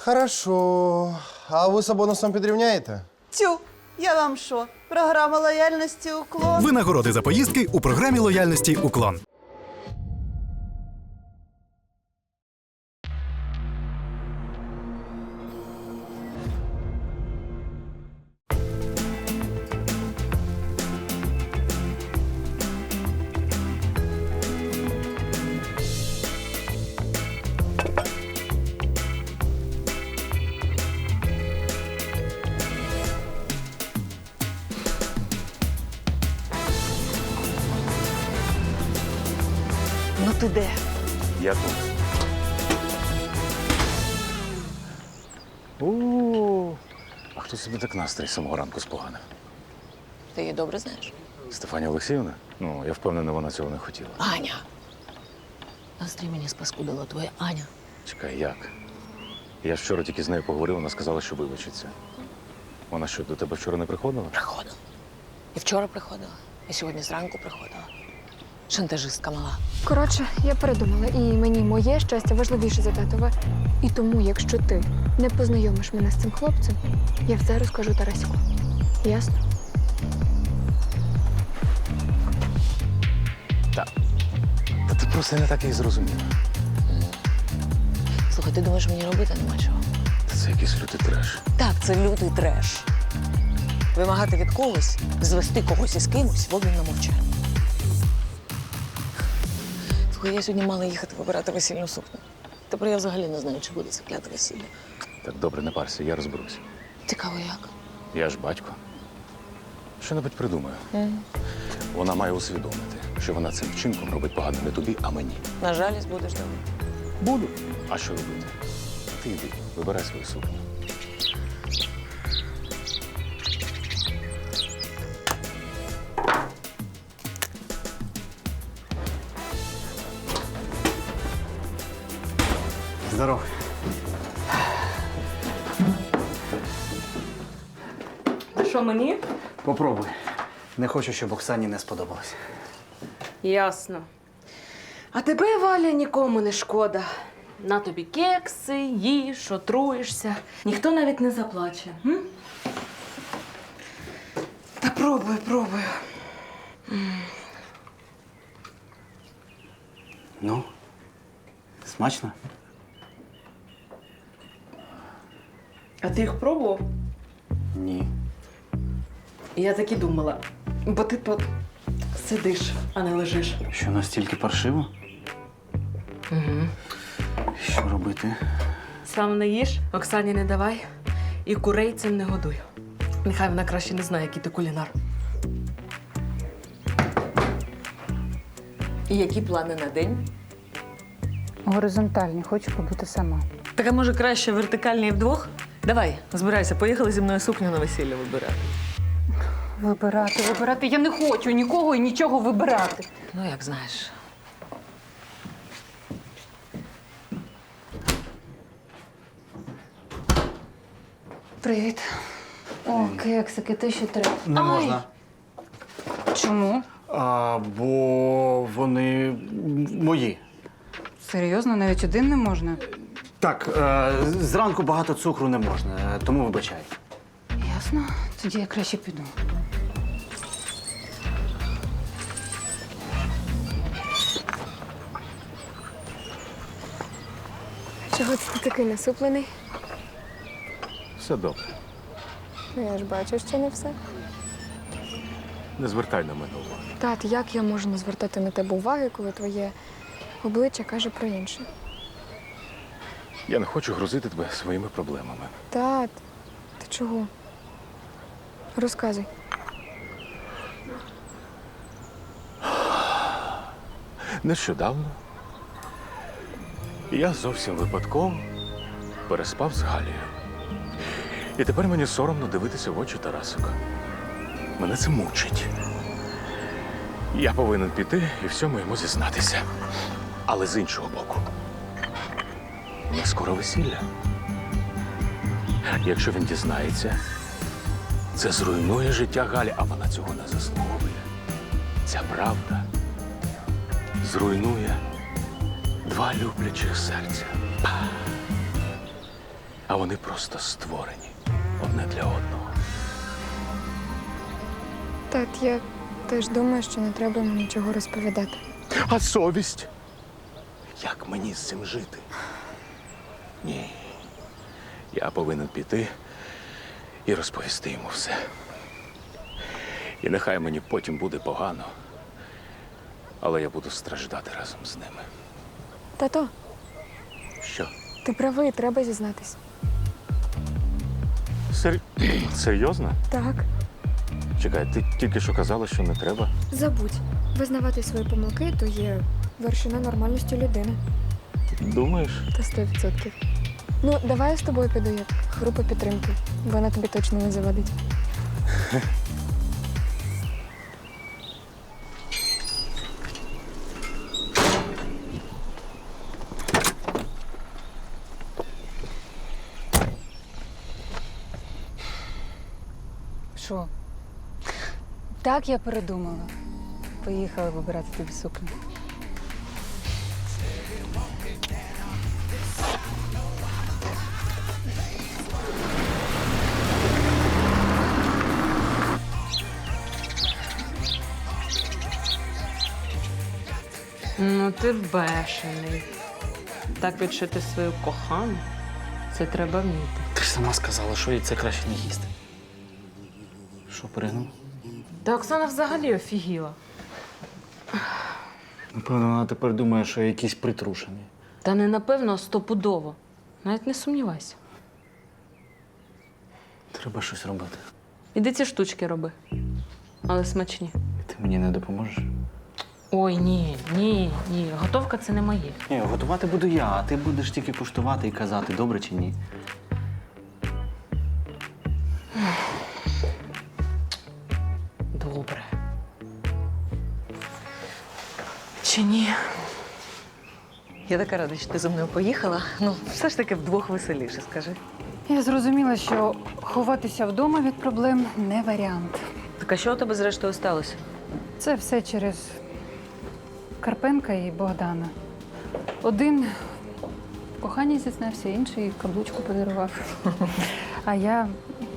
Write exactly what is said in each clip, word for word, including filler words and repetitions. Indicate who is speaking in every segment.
Speaker 1: Хорошо. А ви з бонусом підрівняєте?
Speaker 2: Тю, я вам що? Програма лояльності «Уклон».
Speaker 3: Винагороди за поїздки у програмі лояльності «Уклон».
Speaker 2: Ну ти де?
Speaker 4: Я тут. О, а хто собі так настрій з самого ранку споганив?
Speaker 5: Ти її добре знаєш?
Speaker 4: Стефанія Олексіївна? Ну, я впевнений, вона цього не хотіла.
Speaker 5: Аня! Настрій мені спаскудила твоя Аня.
Speaker 4: Чекай, як? Я ж вчора тільки з нею поговорив, вона сказала, що вибачиться. Вона що, до тебе вчора не приходила?
Speaker 5: Приходила. І вчора приходила, і сьогодні зранку приходила. Шантажистка мала.
Speaker 6: Коротше, я передумала, і мені моє щастя важливіше за татове. І тому, якщо ти не познайомиш мене з цим хлопцем, я все розкажу Тараську. Ясно?
Speaker 4: Так. Та ти просто не так її зрозуміла.
Speaker 5: Слухай, ти думаєш, мені робити нема чого?
Speaker 4: Та це якийсь лютий треш.
Speaker 5: Так, це лютий треш. Вимагати від когось, звести когось із кимось в обмін на мовчання. Слухай, я сьогодні мала їхати вибирати весільну сукню. Тепер я взагалі не знаю, чи буде це кляте весілля.
Speaker 4: Так, добре, не парся, я розберуся.
Speaker 5: Цікаво, як?
Speaker 4: Я ж батько. Що-небудь придумаю.
Speaker 5: Mm.
Speaker 4: Вона має усвідомити, що вона цим вчинком робить погано не тобі, а мені.
Speaker 5: На жалість будеш давати.
Speaker 4: Буду. А що робити? А ти йди, вибирай свою сукню.
Speaker 7: Здоров.
Speaker 8: Що мені?
Speaker 7: Попробуй. Не хочу, щоб Оксані не сподобалось.
Speaker 8: Ясно. А тебе, Валя, нікому не шкода. На тобі кекси, їж, отруєшся. Ніхто навіть не заплаче. М? Та пробую, пробую.
Speaker 7: Ну, смачно?
Speaker 8: А ти їх пробував?
Speaker 7: Ні.
Speaker 8: Я так і думала. Бо ти тут сидиш, а не лежиш.
Speaker 7: Що, настільки паршиво?
Speaker 8: Угу.
Speaker 7: Що робити?
Speaker 8: Сам не їж, Оксані не давай. І курей цим не годуй. Нехай вона краще не знає, який ти кулінар. І які плани на день?
Speaker 9: Горизонтальні, хочу побути сама.
Speaker 8: Так, а може краще вертикальні вдвох? Давай, збирайся, поїхали зі мною сукню на весілля вибирати.
Speaker 9: Вибирати, вибирати. Я не хочу нікого і нічого вибирати.
Speaker 5: Ну, як знаєш.
Speaker 9: Привіт. О, кексики, ти що треба?
Speaker 7: Не
Speaker 9: Ай!
Speaker 7: можна.
Speaker 9: Чому?
Speaker 7: А, бо вони мої.
Speaker 9: Серйозно, навіть один не можна?
Speaker 7: Так, е, зранку багато цукру не можна, тому вибачай.
Speaker 9: Ясно. Тоді я краще піду.
Speaker 6: Чого це ти такий насуплений?
Speaker 4: Все добре.
Speaker 6: Ну, я ж бачу, що не все.
Speaker 4: Не звертай на мене уваги.
Speaker 6: Тат, як я можу не звертати на тебе уваги, коли твоє обличчя каже про інше?
Speaker 4: Я не хочу грузити тебе своїми проблемами.
Speaker 6: Тат, ти чого? Розказуй.
Speaker 4: Нещодавно я зовсім випадково переспав з Галією. І тепер мені соромно дивитися в очі Тарасика. Мене це мучить. Я повинен піти і всьому йому зізнатися. Але з іншого боку, у нас скоро весілля. Якщо він дізнається, це зруйнує життя Галі, а вона цього не заслуговує. Ця правда зруйнує два люблячих серця. А вони просто створені одне для одного.
Speaker 6: Тат, я теж думаю, що не треба йому нічого розповідати.
Speaker 4: А совість? Як мені з цим жити? Ні. Я повинен піти і розповісти йому все. І нехай мені потім буде погано, але я буду страждати разом з ними.
Speaker 6: Тато,
Speaker 4: Що?
Speaker 6: ти правий, треба зізнатись.
Speaker 4: Сер... Серйозно?
Speaker 6: Так.
Speaker 4: Чекай, ти тільки що казала, що не треба.
Speaker 6: Забудь. Визнавати свої помилки – то є вершина нормальності людини.
Speaker 4: Думаєш?
Speaker 6: Та сто відсотків. Ну, давай я з тобою піду як група підтримки. Вона тобі точно не завадить.
Speaker 9: Що? Так, я передумала. Поїхала вибирати тобі сукню.
Speaker 8: Ну, ти бешений. Так відшити свою кохану – це треба вміти.
Speaker 7: Ти ж сама сказала, що їй це краще не їсти. Що, перегнув?
Speaker 8: Та Оксана взагалі офігіла.
Speaker 7: Напевно, вона тепер думає, що я якийсь притрушений.
Speaker 8: Та не напевно, а стопудово. Навіть не сумнівайся.
Speaker 7: Треба щось робити.
Speaker 8: Іди ці штучки роби. Але смачні.
Speaker 7: І ти мені не допоможеш?
Speaker 8: Ой, ні, ні, ні. Готовка – це не моє.
Speaker 7: Ні, готувати буду я, а ти будеш тільки куштувати і казати, добре чи ні.
Speaker 8: Добре. Чи ні?
Speaker 5: Я така рада, що ти зі мною поїхала. Ну, все ж таки вдвох веселіше, скажи.
Speaker 9: Я зрозуміла, що ховатися вдома від проблем не варіант.
Speaker 5: Так а що у тебе зрештою сталося?
Speaker 9: Це все через Карпенка і Богдана. Один в коханні зізнався, інший каблучку подарував. А я.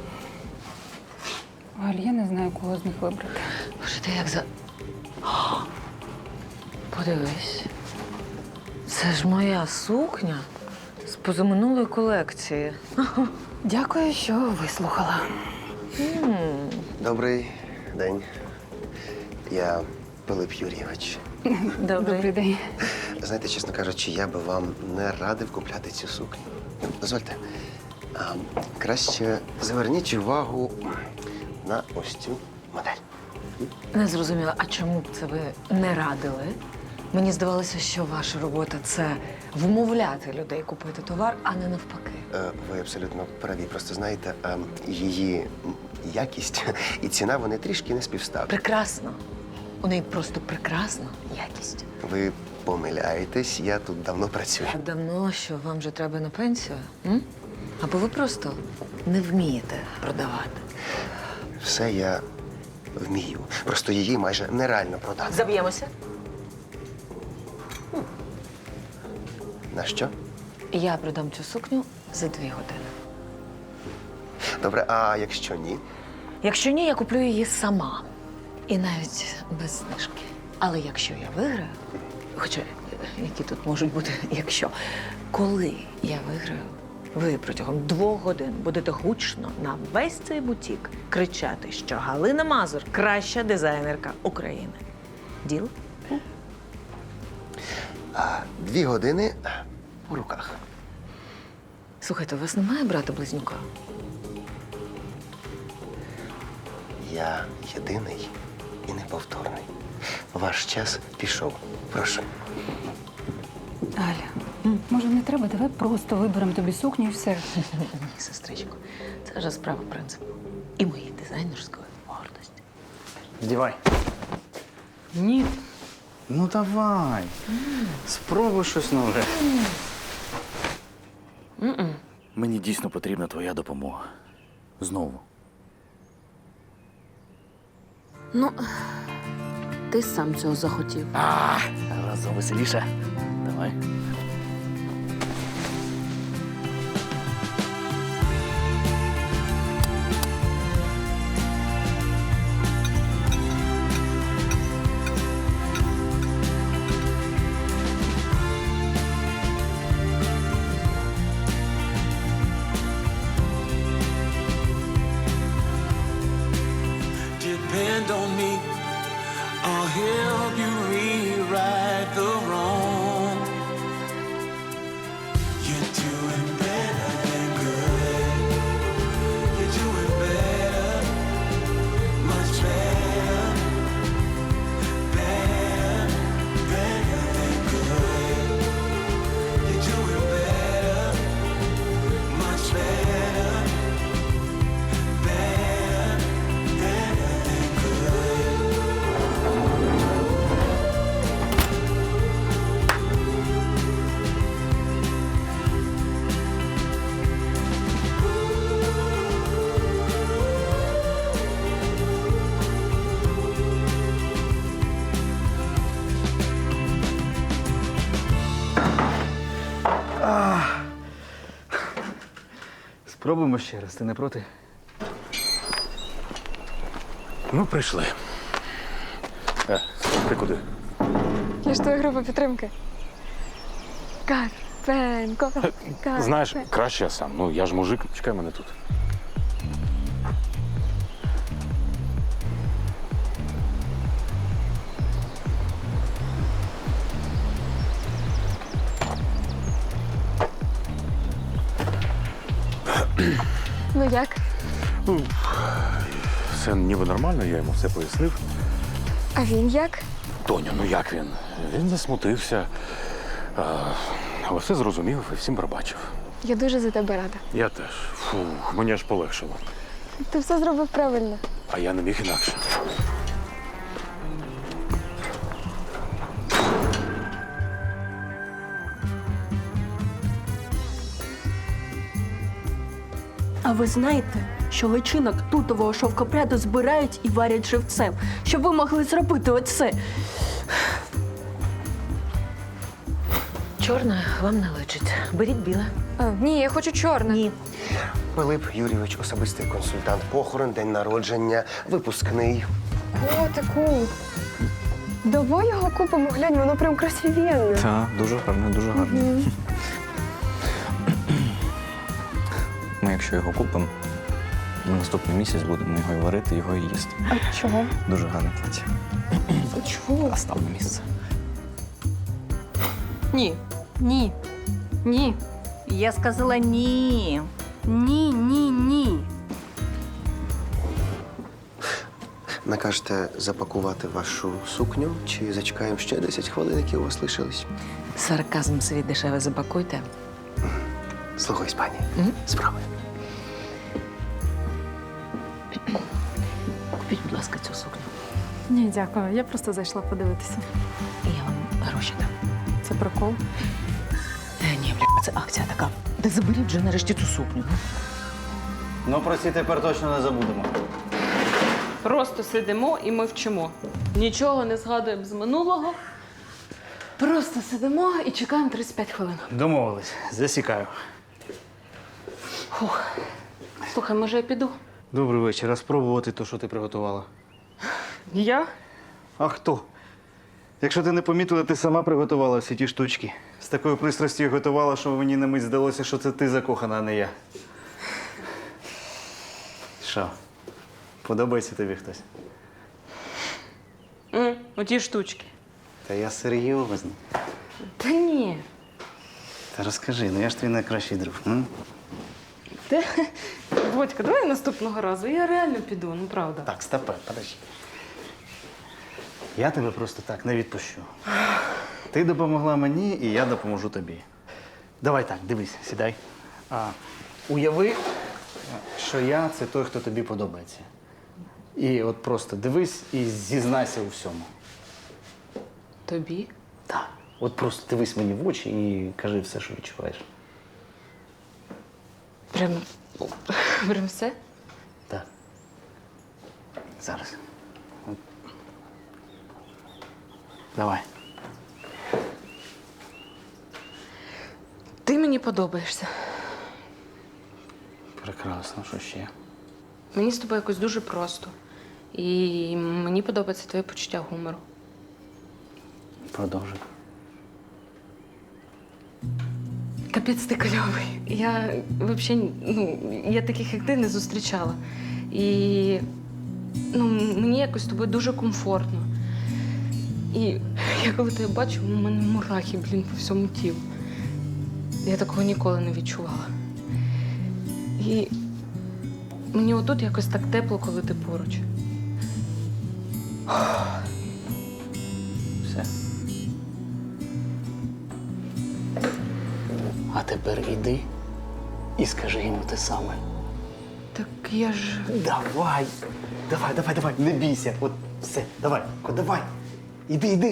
Speaker 9: Галь, я не знаю, кого з них вибрати.
Speaker 5: Боже, ти як за. О, подивись. Це ж моя сукня з позаминулої колекції.
Speaker 9: Дякую, що вислухала.
Speaker 1: Добрий день. Я Пилип Юрійович.
Speaker 9: Добрий день.
Speaker 1: Знаєте, чесно кажучи, я би вам не радив купляти цю сукню. Дозвольте. А, краще зверніть увагу на ось цю модель.
Speaker 5: Не зрозуміла, а чому б це ви не радили? Мені здавалося, що ваша робота – це вмовляти людей купити товар, а не навпаки.
Speaker 1: Е, Ви абсолютно праві. Просто знаєте, е, її якість і ціна, вони трішки не співставні.
Speaker 5: Прекрасно. У неї просто прекрасна якість.
Speaker 1: Ви помиляєтесь, я тут давно працюю.
Speaker 5: Так давно, що вам вже треба на пенсію? М? Або ви просто не вмієте продавати.
Speaker 1: Все я вмію. Просто її майже нереально продати.
Speaker 5: Заб'ємося?
Speaker 1: На що?
Speaker 5: Я продам цю сукню за дві години.
Speaker 1: Добре, а якщо ні?
Speaker 5: Якщо ні, я куплю її сама. І навіть без знижки. Але якщо я виграю, хоча які тут можуть бути, якщо, коли я виграю, ви протягом двох годин будете гучно на весь цей бутік кричати, що Галина Мазур – краща дизайнерка України. Діл?
Speaker 1: А дві години у руках.
Speaker 5: Слухайте, у вас немає брата-близнюка?
Speaker 1: Я єдиний і неповторний. Ваш час пішов. Прошу.
Speaker 9: Галя, може не треба? Давай просто виберемо тобі сукню і все.
Speaker 5: Ні, сестричко, це вже справа принципу. І моєї дизайнерської гордості.
Speaker 7: Здівай.
Speaker 8: Ні.
Speaker 7: Ну давай. Спробуй щось нове.
Speaker 8: М-м.
Speaker 7: Мені дійсно потрібна твоя допомога. Знову.
Speaker 8: Ну, ти сам цього захотів.
Speaker 7: А, разом веселіше. Давай. Спробуємо ще раз, ти не проти?
Speaker 4: Ну, прийшли. Е, ти куди?
Speaker 6: Я ж твоя група підтримки. Карпенко. Карпенко.
Speaker 4: Знаєш, краще я сам. Ну, я ж мужик, чекай мене тут.
Speaker 6: Ну як?
Speaker 4: Все ніби нормально, я йому все пояснив.
Speaker 6: А він як?
Speaker 4: Тоню, ну як він? Він засмутився. А, але все зрозумів і всім пробачив.
Speaker 6: Я дуже за тебе рада.
Speaker 4: Я теж. Фух, мені аж полегшило.
Speaker 6: Ти все зробив правильно.
Speaker 4: А я не міг інакше.
Speaker 10: А ви знаєте, що личинок тутового шовкопряду збирають і варять живцем, щоб ви могли зробити оце?
Speaker 5: Чорне вам не личить. Беріть біле.
Speaker 6: А, ні, я хочу чорне.
Speaker 5: Ні.
Speaker 1: Пилип Юрійович, особистий консультант, похорон, день народження, випускний.
Speaker 6: Котику. Давай його купимо, глянь, воно прям красивенне.
Speaker 7: Так, дуже гарно, дуже гарно. Ми, якщо його купимо, на наступний місяць будемо його і варити, його і їсти.
Speaker 6: А чого?
Speaker 7: Дуже гарне плаття.
Speaker 6: А чого?
Speaker 7: А став на місце.
Speaker 10: Ні. Ні. Ні. Я сказала ні. Ні, ні, ні.
Speaker 1: Накажете запакувати вашу сукню чи зачекаємо ще десять хвилин, які у вас лишились?
Speaker 5: Сарказм свій дешеве запакуйте.
Speaker 1: Слухай, пані,
Speaker 5: Мгм.
Speaker 1: справи.
Speaker 5: Купіть, будь ласка, цю сукню.
Speaker 9: Ні, дякую. Я просто зайшла подивитися.
Speaker 5: І я вам гроші дам.
Speaker 9: Це прикол.
Speaker 5: Е, ні, бля, це акція така. Та заберіть вже нарешті цю сукню.
Speaker 7: Ну, про ці тепер точно не забудемо.
Speaker 8: Просто сидимо і ми вчимо. Нічого не згадуємо з минулого. Просто сидимо і чекаємо тридцять п'ять хвилин.
Speaker 7: Домовились. Засікаю.
Speaker 8: Слухай, може я піду?
Speaker 7: Добрий вечір. А спробувати те, що ти приготувала?
Speaker 8: Я?
Speaker 7: А хто? Якщо ти не помітила, ти сама приготувала всі ті штучки. З такою пристрастю готувала, що мені на мить здалося, що це ти закохана, а не я. Що? Подобається тобі хтось?
Speaker 8: М, оті штучки.
Speaker 7: Та я серйозно.
Speaker 8: Та ні.
Speaker 7: Та розкажи, ну я ж твій найкращий друг. М?
Speaker 8: Та... Бодька, давай наступного разу. Я реально піду, ну правда.
Speaker 7: Так, стопе, подожди. Я тебе просто так не відпущу. Ти допомогла мені, і я допоможу тобі. Давай так, дивись, сідай. А, уяви, що я це той, хто тобі подобається. І от просто дивись і зізнайся у всьому.
Speaker 8: Тобі?
Speaker 7: Так. От просто дивись мені в очі і кажи все, що відчуваєш.
Speaker 8: Прям. Прям все?
Speaker 7: Так. Зараз. От. Давай.
Speaker 8: Ти мені подобаєшся.
Speaker 7: Прекрасно, що ще?
Speaker 8: Мені з тобою якось дуже просто. І мені подобається твоє почуття гумору.
Speaker 7: Продовжуй.
Speaker 8: Капець ти кльовий. Я взагалі, ну, я таких, як ти, не зустрічала. І ну, мені якось з тобою дуже комфортно. І я коли тебе бачу, у мене мурахи, блін, по всьому тілу. Я такого ніколи не відчувала. І мені отут якось так тепло, коли ти поруч.
Speaker 7: Все. А тепер іди і скажи йому те саме.
Speaker 8: Так я ж.
Speaker 7: Давай, давай, давай, давай, не бійся. От все, давай, Ко, давай. Іди, іди.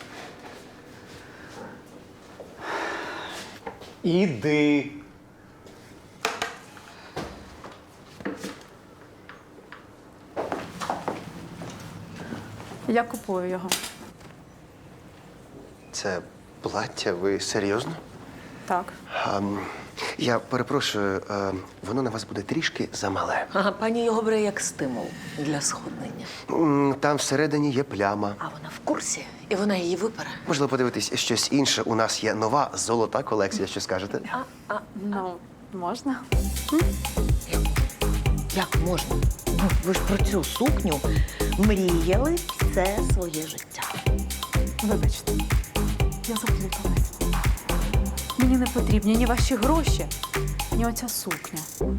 Speaker 7: Іди.
Speaker 9: Я купую його.
Speaker 1: Це плаття, ви серйозно?
Speaker 9: Так.
Speaker 1: А, м, Я перепрошую, е, воно на вас буде трішки замале.
Speaker 5: Ага, пані його бере як стимул для сходнення.
Speaker 1: М, Там всередині є пляма.
Speaker 5: А вона в курсі, і вона її випере.
Speaker 1: Можливо, подивитись щось інше. У нас є нова золота колекція. Що скажете?
Speaker 9: Ну, можна?
Speaker 5: Як можна? Ну, ви ж про цю сукню мріяли все своє життя.
Speaker 9: Вибачте, я заплуталась. Мені не потрібні ні ваші гроші, ні оця сукня.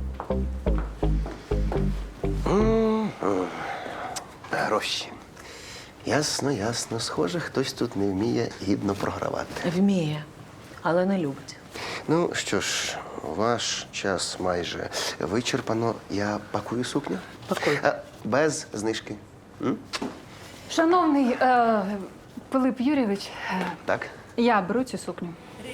Speaker 1: Гроші. Ясно, ясно. Схоже, хтось тут не вміє гідно програвати.
Speaker 5: Вміє, але не любить.
Speaker 1: Ну що ж, ваш час майже вичерпано. Я пакую сукню.
Speaker 5: Пакуй.
Speaker 1: Е, Без знижки. М?
Speaker 9: Шановний е, Пилип Юрійович, е,
Speaker 1: Так?
Speaker 9: я беру цю сукню.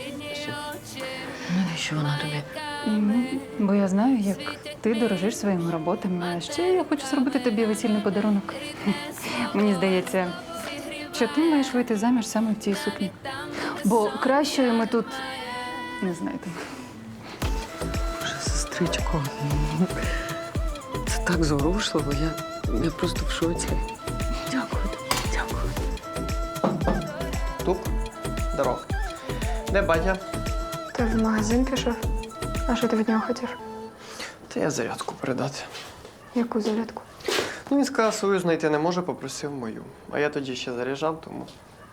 Speaker 5: Навіщо вона тобі?
Speaker 9: Ну, бо я знаю, як ти дорожиш своїми роботами. А ще я хочу зробити тобі весільний подарунок. Мені здається, що ти маєш вийти заміж саме в цій сукні. Бо кращої ми тут не знаєте.
Speaker 5: Боже, сестричко, це так зворушливо. Я, я просто в шоці. Дякую тобі, дякую.
Speaker 11: Туп, здоров. Де батя?
Speaker 6: Ти в магазин пішов? А що ти від нього хотів?
Speaker 11: Та я зарядку передати.
Speaker 6: Яку зарядку?
Speaker 11: Ну, він сказав, свою знайти не може, попросив мою. А я тоді ще заряджав, тому.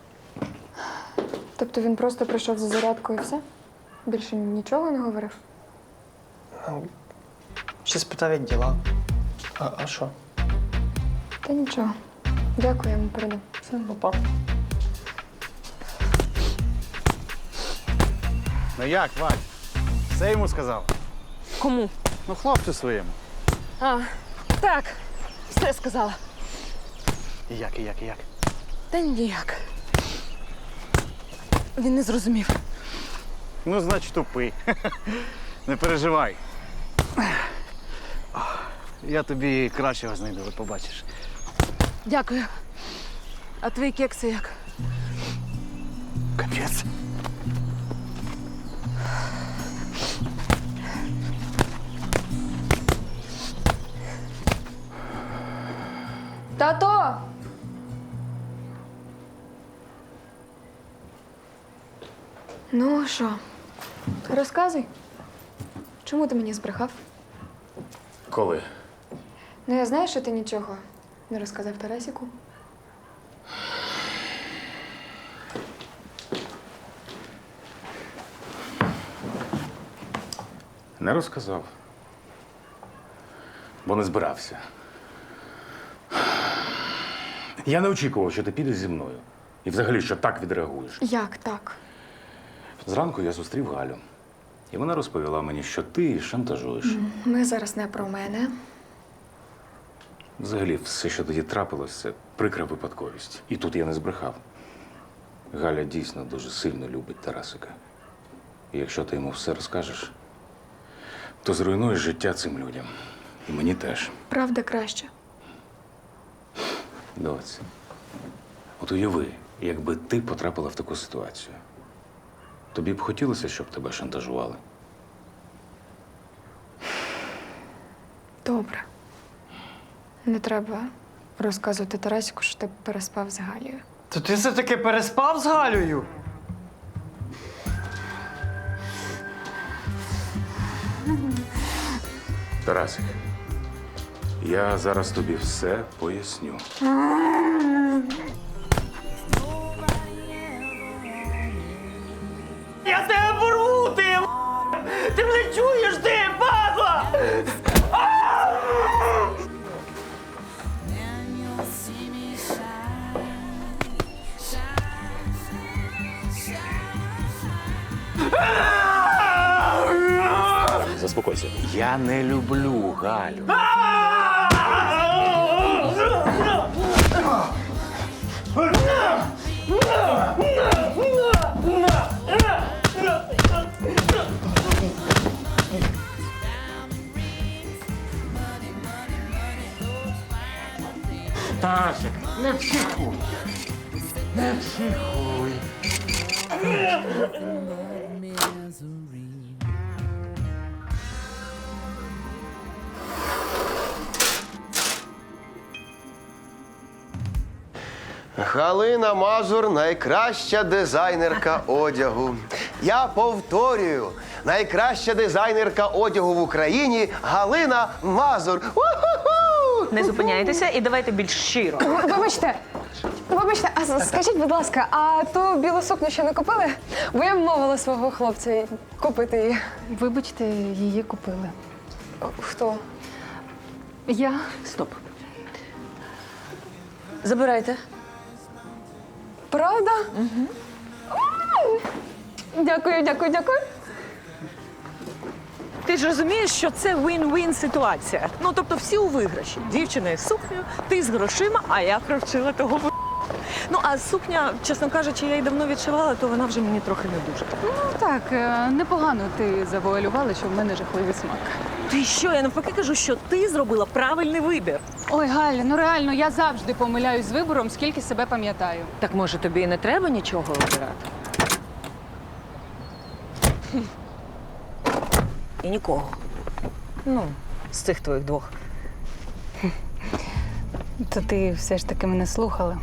Speaker 6: Тобто він просто прийшов за зарядкою і все? Більше нічого не говорив?
Speaker 11: Ну, ще спитав, як діла. А, а що?
Speaker 6: Та нічого. Дякую, я йому передам.
Speaker 11: Все, папа.
Speaker 7: Ну як, Вадь? Все йому сказав?
Speaker 8: Кому?
Speaker 7: Ну, хлопцю своєму.
Speaker 8: А, так, все сказала.
Speaker 7: І як, і як, і як?
Speaker 8: Та ніяк. Він не зрозумів.
Speaker 7: Ну, значить, тупий. Не переживай. Я тобі кращого знайду, от побачиш.
Speaker 8: Дякую. А твої кекси як?
Speaker 7: Капець.
Speaker 6: Тато! Ну, що? Розказуй. Чому ти мені збрехав?
Speaker 4: Коли?
Speaker 6: Ну, я знаю, що ти нічого не розказав Тарасіку.
Speaker 4: Не розказав. Бо не збирався. Я не очікував, що ти підеш зі мною. І взагалі, що так відреагуєш.
Speaker 6: Як так?
Speaker 4: Зранку я зустрів Галю. І вона розповіла мені, що ти її шантажуєш.
Speaker 6: Ми зараз не про мене.
Speaker 4: Взагалі, все, що тоді трапилось, це прикра випадковість. І тут я не збрехав. Галя дійсно дуже сильно любить Тарасика. І якщо ти йому все розкажеш, то зруйнуєш життя цим людям. І мені теж.
Speaker 6: Правда краще.
Speaker 4: Доць, от уяви, якби ти потрапила в таку ситуацію. Тобі б хотілося, щоб тебе шантажували?
Speaker 6: Добре. Не треба розказувати Тарасіку, що ти переспав з Галією.
Speaker 11: То ти все-таки переспав з Галею?
Speaker 4: Тарасик, я зараз тобі все поясню.
Speaker 11: Я тебе порву, ти! м***! Ти мене чуєш, ти, падла!
Speaker 4: Заспокойся. Я не люблю Галю.
Speaker 11: Тарасик, не психуй. Не психуй.
Speaker 1: Галина Мазур найкраща дизайнерка одягу. Я повторюю, найкраща дизайнерка одягу в Україні Галина Мазур. У-ху-ху!
Speaker 5: Не зупиняйтеся і давайте більш щиро.
Speaker 6: Вибачте, вибачте, а скажіть, будь ласка, а ту білу сукню ще не купили? Бо я вмовила свого хлопця купити її.
Speaker 9: Вибачте, її купили.
Speaker 6: Хто?
Speaker 9: Я.
Speaker 5: Стоп. Забирайте.
Speaker 6: Правда? Угу. Дякую, дякую, дякую.
Speaker 12: Ти ж розумієш, що це win-win ситуація. Ну, тобто всі у виграші. Дівчина із сукнею, ти з грошима, а я провчила того в***. Ну, а сукня, чесно кажучи, я її давно відшивала, то вона вже мені трохи не дуже.
Speaker 9: Ну так, е, непогано ти завуалювала, що в мене жахливий смак.
Speaker 12: Ти що? Я навпаки кажу, що ти зробила правильний вибір.
Speaker 9: Ой, Галя, ну реально, я завжди помиляюсь з вибором, скільки себе пам'ятаю.
Speaker 5: Так може тобі і не треба нічого обирати? І нікого. Ну, з цих твоїх двох.
Speaker 9: То ти все ж таки мене слухала.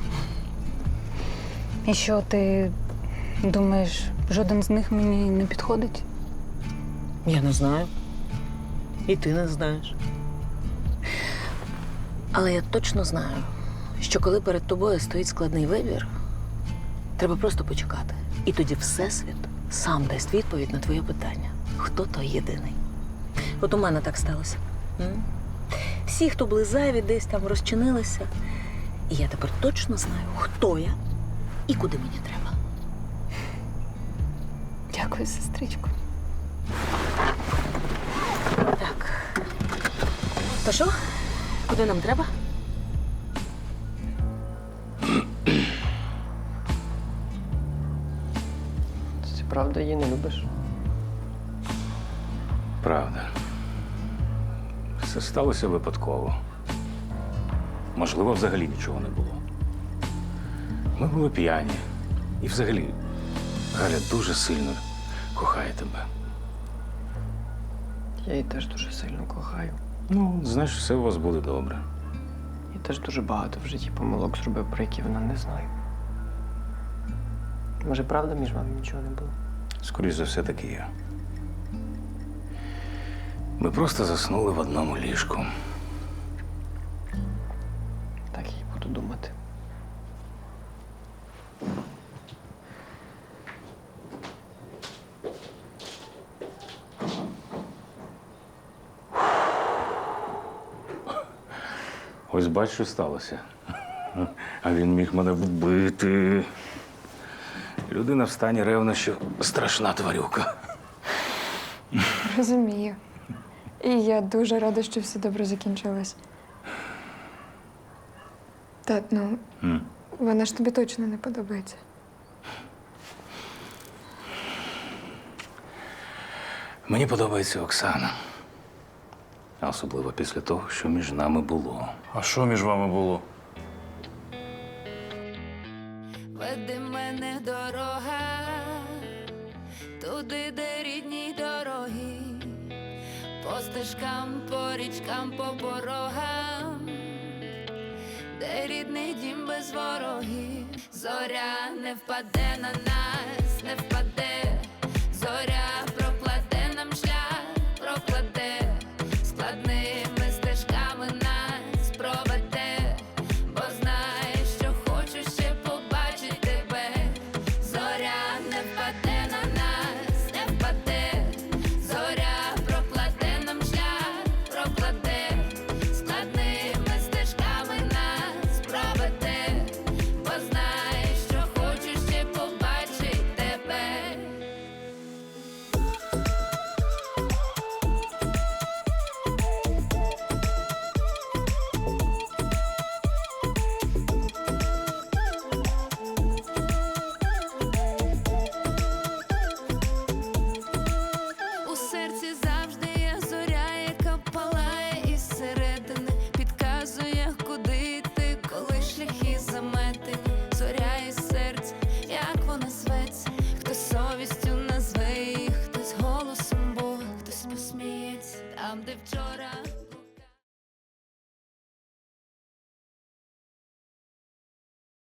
Speaker 9: І що, ти думаєш, жоден з них мені не підходить?
Speaker 5: Я не знаю. І ти не знаєш. Але я точно знаю, що коли перед тобою стоїть складний вибір, треба просто почекати. І тоді Всесвіт сам дасть відповідь на твоє питання. Хто той єдиний? От у мене так сталося. М? Всі, хто були зайві, десь там розчинилися. І я тепер точно знаю, хто я і куди мені треба.
Speaker 9: Дякую, сестричко.
Speaker 5: Так. То що? Куди нам треба?
Speaker 11: Ти правда її не любиш?
Speaker 4: Правда. Все сталося випадково. Можливо, взагалі нічого не було. Ми були п'яні. І взагалі, Галя дуже сильно кохає тебе.
Speaker 11: Я її теж дуже сильно кохаю.
Speaker 4: Ну, знаєш, все у вас буде добре.
Speaker 11: Я теж дуже багато в житті помилок зробив, про які вона не знає. Може, правда, між вами нічого не було?
Speaker 4: Скоріше за все, таки є. Ми просто заснули в одному ліжку.
Speaker 11: Так я й буду думати.
Speaker 4: Ось бач, що сталося. А він міг мене вбити. Людина в стані ревнощів – страшна тварюка.
Speaker 6: Розумію. І я дуже рада, що все добре закінчилось. Тат, ну,
Speaker 4: М.
Speaker 6: вона ж тобі точно не подобається.
Speaker 4: Мені подобається Оксана. А особливо після того, що між нами було.
Speaker 7: А що між вами було?
Speaker 13: Веди мене дорога, туди, де рідні дороги, по стежкам, по річкам, по порогам, де рідний дім без ворогів. Зоря не впаде на нас, не впаде, зоря прокладе нам шлях, прокладе, складними стежками нас проведе, бо знає, що хочу ще побачити тебе. Зоря не впаде на нас, не впаде, зоря прокладе нам шлях, прокладе, складними стежками нас проведе, бо знає, що хочу ще побачити тебе. У серці завжди є зоря, яка палає із середини, підказує, куди йти, коли шляхи заметені. Зоря із серця, як вона зветься, хтось совістю назве її, хтось голосом Бога, хтось посміється там, де вчора